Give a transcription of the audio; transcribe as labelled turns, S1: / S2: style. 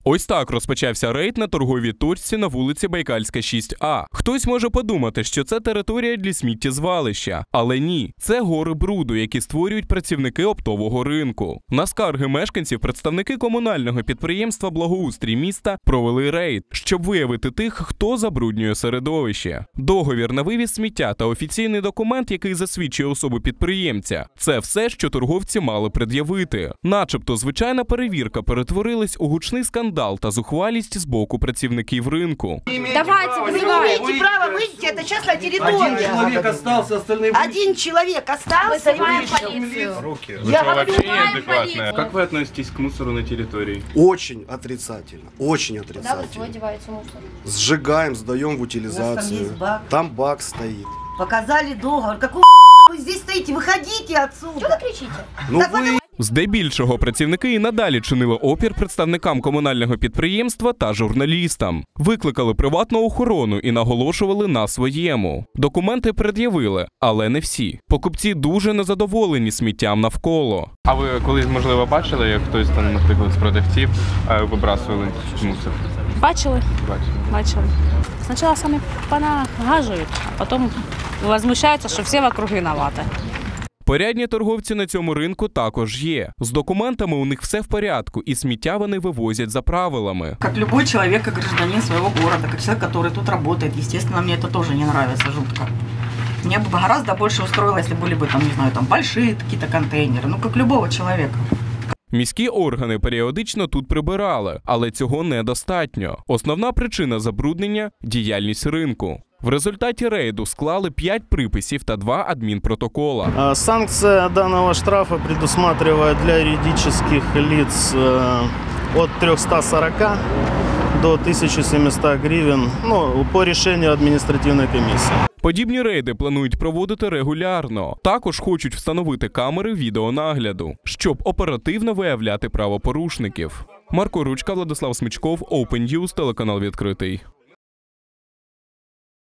S1: Ось так розпочався рейд на торговій точці на вулиці Байкальська, 6А. Хтось може подумати, що це територія для сміттєзвалища. Але ні, це гори бруду, які створюють працівники оптового ринку. На скарги мешканців представники комунального підприємства «Благоустрій міста» провели рейд, щоб виявити тих, хто забруднює середовище. Договір на вивіз сміття та офіційний документ, який засвідчує особу підприємця – це все, що торговці мали пред'явити. Начебто звичайна перевірка перетворилась у гучний скандал та зухвалість з боку працівників ринку.
S2: Давайте, вы не имеете права выйти, это частная территория.
S3: Один человек остался, остальные...
S2: Один человек остался.
S3: Вызываем полицию.
S2: Я вообще
S1: неадекватная. Как вы относитесь к мусору на территории?
S4: Очень отрицательно, очень отрицательно.
S2: Куда вы деваете мусор?
S4: Сжигаем, сдаем в утилизацию. Там бак стоит.
S2: Показали договор. Какого вы здесь стоите? Выходите отсюда. Что вы кричите?
S4: Ну вы...
S1: Здебільшого працівники і надалі чинили опір представникам комунального підприємства та журналістам. Викликали приватну охорону і наголошували на своєму. Документи пред'явили, але не всі. Покупці дуже незадоволені сміттям навколо.
S5: А ви колись, можливо, бачили, як хтось там, наприклад, з продавців вибрасували мусор?
S6: Бачили. Спочатку самі понагажують, а потім возмущаються, що всі вокруг винуваті.
S1: Порядні торговці на цьому ринку також є. З документами у них все в порядку, і сміття вони вивозять за правилами.
S7: Как любой человек, как гражданин своего города, как человек, который тут работает, естественно, мне это тоже не нравится жутко. Мне бы гораздо больше устроило, если были бы там, не знаю, там большие какие-то контейнеры, ну как любого человека.
S1: Міські органи періодично тут прибирали, але цього недостатньо. Основна причина забруднення – діяльність ринку. В результаті рейду склали 5 приписів та 2 адмінпротокола.
S8: Санкция данного штрафа предусматривает для юридических лиц от 340 до 1700 гривен, по решению административной комиссии.
S1: Подібні рейди планують проводити регулярно. Також хочуть встановити камери відеонагляду, щоб оперативно виявляти правопорушників. Марко Ручка, Владислав Смичков, Open News, телеканал «Відкритий».